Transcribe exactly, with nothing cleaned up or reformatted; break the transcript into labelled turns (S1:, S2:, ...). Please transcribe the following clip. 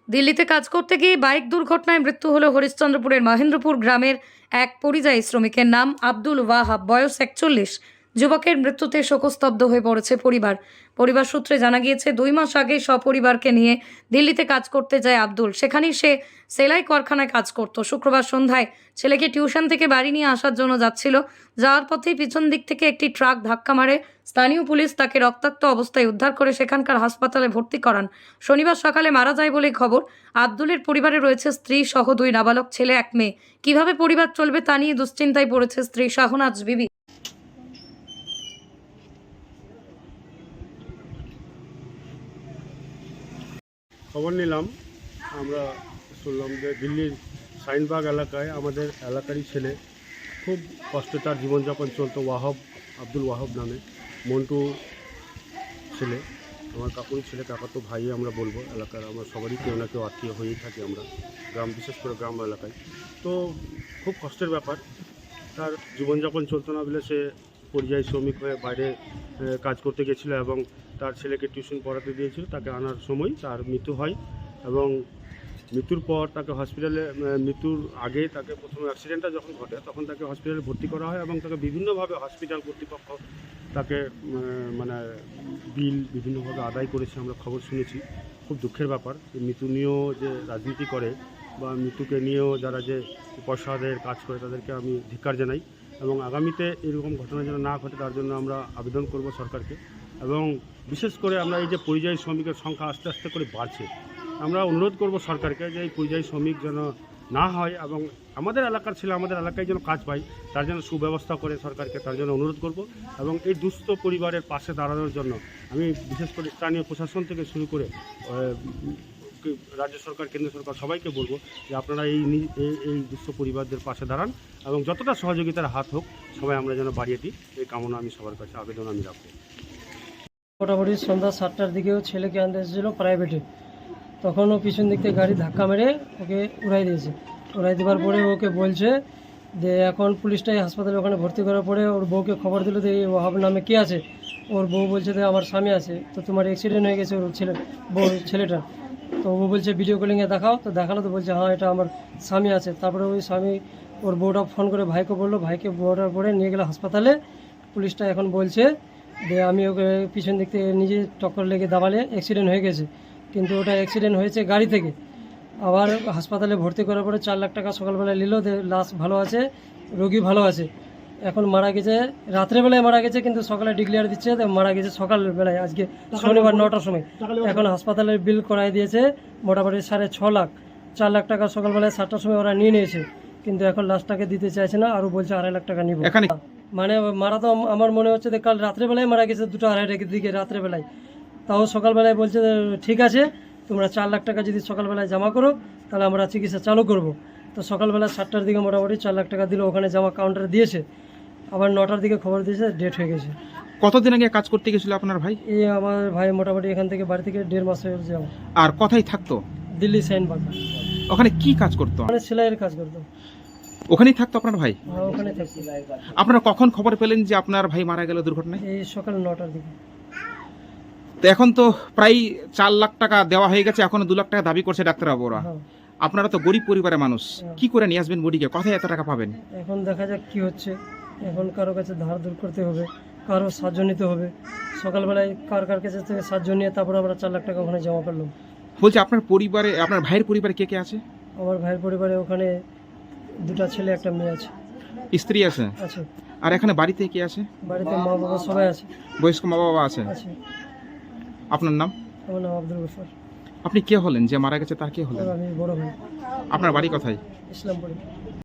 S1: দিল্লিতে কাজ করতে গিয়ে বাইক দুর্ঘটনায় মৃত্যু হলো হরিশ্চন্দ্রপুরের মহেন্দ্রপুর গ্রামের এক পরিযায়ী শ্রমিকের নাম আব্দুল ওয়াহাব, বয়স একচল্লিশ। যুবকের মৃত্যুতে শোকস্তব্ধ হয়ে পড়েছে পরিবার। পরিবার সূত্রে জানা গিয়েছে, দুই মাস আগে সপরিবারকে নিয়ে দিল্লিতে কাজ করতে যায় আব্দুল। সেখানেই সে সেলাই কারখানায় কাজ করত। শুক্রবার সন্ধ্যায় ছেলেকে টিউশন থেকে বাড়ি নিয়ে আসার জন্য যাচ্ছিল। যাওয়ার পথেই পিছন দিক থেকে একটি ট্রাক ধাক্কা মারে। স্থানীয় পুলিশ তাকে রক্তাক্ত অবস্থায় উদ্ধার করে সেখানকার হাসপাতালে ভর্তি করান। শনিবার সকালে মারা যায় বলে খবর। আব্দুলের পরিবারে রয়েছে স্ত্রী সহ দুই নাবালক ছেলে, এক মেয়ে। কিভাবে পরিবার চলবে তা নিয়ে দুশ্চিন্তায় পড়েছে স্ত্রী শাহনাজ বিবি।
S2: খবর নিলাম, আমরা শুনলাম যে দিল্লির শাহিনবাগ এলাকায় আমাদের এলাকারই ছেলে, খুব কষ্টে তার জীবনযাপন চলতো। ওয়াহাব, আব্দুল ওয়াহাব নামে, মন্টু ছেলে, আমার কাকুর ছেলে, কাকা তো ভাই আমরা বলবো। এলাকার আমরা সবারই কেউ না কেউ আত্মীয় হয়েই থাকে আমরা, গ্রাম, বিশেষ করে গ্রাম এলাকায়। তো খুব কষ্টের ব্যাপার, তার জীবনযাপন চলতো না বলে সে পরিযায়ী শ্রমিক হয়ে বাইরে কাজ করতে গেছিলো এবং তার ছেলেকে টিউশন পড়াতে দিয়েছিল। তাকে আনার সময় তার মৃত্যু হয় এবং মৃত্যুর পর তাকে হসপিটালে, মৃত্যুর আগে তাকে প্রথমে অ্যাক্সিডেন্টটা যখন ঘটে তখন তাকে হসপিটালে ভর্তি করা হয় এবং তাকে বিভিন্নভাবে হসপিটাল কর্তৃপক্ষ তাকে মানে বিল বিভিন্নভাবে আদায় করেছে, আমরা খবর শুনেছি। খুব দুঃখের ব্যাপার। মৃত্যু নিয়েও যে রাজনীতি করে বা মৃত্যুকে নিয়েও যারা যে পয়সা আদায়ের কাজ করে তাদেরকে আমি ধিক্কার জানাই এবং আগামীতে এরকম ঘটনা যেন না ঘটে তার জন্য আমরা আবেদন করব সরকারকে। এবং বিশেষ করে আমরা এই যে পরিযায়ী শ্রমিকের সংখ্যা আস্তে আস্তে করে বাড়ছে, আমরা অনুরোধ করব সরকারকে যে এই পরিযায়ী শ্রমিক যেন না হয় এবং আমাদের এলাকার ছেলে আমাদের এলাকায় যেন কাজ পায়, তার জন্য সুব্যবস্থা করে সরকারকে, তার জন্য অনুরোধ করব। এবং এই দুস্থ পরিবারের পাশে দাঁড়ানোর জন্য আমি বিশেষ করে স্থানীয় প্রশাসন থেকে শুরু করে রাজ্য সরকার, কেন্দ্র সরকার সবাইকে বলবো যে আপনারা এই এই দুস্থ পরিবারদের পাশে দাঁড়ান এবং যতটা সহযোগিতার হাত হোক সবাই আমরা যেন বাড়িয়ে দিই, এই কামনা আমি সবার কাছে আবেদন আমি রাখবো।
S3: মোটামুটি সন্ধ্যা সাতটার দিকেও ছেলেকে আনতে এসেছিলো প্রাইভেটে, তখন ও পিছন দিক থেকে গাড়ি ধাক্কা মেরে ওকে উড়াই দিয়েছে। উড়াই দেওয়ার পরে ওকে বলছে যে এখন পুলিশটাই হাসপাতালে ওখানে ভর্তি করার পরে ওর বউকে খবর দিল যে এই ওয়াহাব নামে কে আছে। ওর বউ বলছে যে আমার স্বামী আছে, তো তোমার অ্যাক্সিডেন্ট হয়ে গেছে ওর ছেলে বউ ছেলেটা। তো ও বলছে ভিডিও কলিংয়ে দেখাও, তো দেখালো, তো বলছে হ্যাঁ এটা আমার স্বামী আছে। তারপরে ওই স্বামী ওর বউটা ফোন করে ভাইকে বললো, ভাইকে বউটার পরে নিয়ে গেলো হাসপাতালে। পুলিশটা এখন বলছে যে আমি ওকে পিছন দিক থেকে নিজে টক্কর লেগে দাবালে অ্যাক্সিডেন্ট হয়ে গেছে, কিন্তু ওটা অ্যাক্সিডেন্ট হয়েছে গাড়ি থেকে। আবার হাসপাতালে ভর্তি করার পরে চার লাখ টাকা সকালবেলায় নিল, লাশ ভালো আছে, রোগী ভালো আছে। এখন মারা গেছে রাত্রেবেলায় মারা গেছে, কিন্তু সকালে ডিক্লেয়ার দিচ্ছে মারা গেছে সকালবেলায়, আজকে শনিবার নটার সময়। এখন হাসপাতালের বিল করাই দিয়েছে মোটামুটি সাড়ে ছ লাখ। চার লাখ টাকা সকালবেলায় সাতটার সময় ওরা নিয়ে নিয়েছে, কিন্তু এখন লাশটাকে দিতে চাইছে না, আরও বলছে আড়াই লাখ টাকা নিব। মানে মারা তো আমার মনে হচ্ছে যে কাল রাত্রেবেলায় মারা গেছে, দুটো আড়াইটার দিকে রাত্রেবেলায়। তাও সকালবেলায় বলছে ঠিক আছে তোমরা চার লাখ টাকা যদি সকালবেলায় জমা করো তাহলে আমরা চিকিৎসা চালু করব। তো সকালবেলা সাতটার দিকে মোটামুটি চার লাখ টাকা দিল, ওখানে জমা কাউন্টারে দিয়েছে। আবার নটার দিকে খবর দিয়েছে ডেট হয়ে গেছে।
S4: কতদিন আগে কাজ করতে গেছিল আপনার ভাই?
S3: এই আমার ভাই মোটামুটি এখান থেকে বাড়ি থেকে দেড় মাস হয়ে যাবো।
S4: আর কোথায় থাকতো?
S3: দিল্লি শাহিনবাগ।
S4: ওখানে কি কাজ করতো?
S3: মানে সেলাইয়ের কাজ করতো।
S4: ওখানেই থাকতো আপনার ভাই?
S3: হ্যাঁ ওখানে থাকতো।
S4: আপনারা কখন খবর পেলেন যে আপনার ভাই মারা গেল দুর্ঘটনায়?
S3: এই সকাল নটার দিকে।
S4: তো এখন তো প্রায় চার লাখ টাকা দেওয়া হয়ে গেছে, এখনো দু লাখ টাকা দাবি করছে ডাক্তারবাবুরা। আপনারা তো গরিব পরিবারের মানুষ, কি করে নিয়ে আসবেন বডিকে? কোথায় এত টাকা পাবেন?
S3: এখন দেখা যাক কি হচ্ছে। এখন কারো কাছে ধার দূর করতে হবে, কারো সাহায্য নিতে হবে। সকালবেলায় কার কার কাছে থেকে সাহায্য নিয়ে তারপর আমরা চার লাখ টাকা ওখানে জমা করলাম।
S4: বলছি আপনার পরিবারে, আপনার ভাইয়ের পরিবারে কে কে আছে?
S3: আমার ভাইয়ের পরিবারে ওখানে দুটো ছেলে একটা মেয়ে আছে।
S4: স্ত্রী আছে?
S3: আছে।
S4: আর এখানে বাড়িতে কে আছে?
S3: বাড়িতে মা বাবা সবাই আছে।
S4: বয়স্ক মা বাবা আছে?
S3: আছে।
S4: আপনার নাম?
S3: আমার নাম আব্দুল গফর।
S4: আপনি কে হলেন? যে মারা গেছে তার কে হলেন?
S3: আমি বড় ভাই।
S4: আপনার বাড়ি কোথায়?
S3: ইসলামপুরে।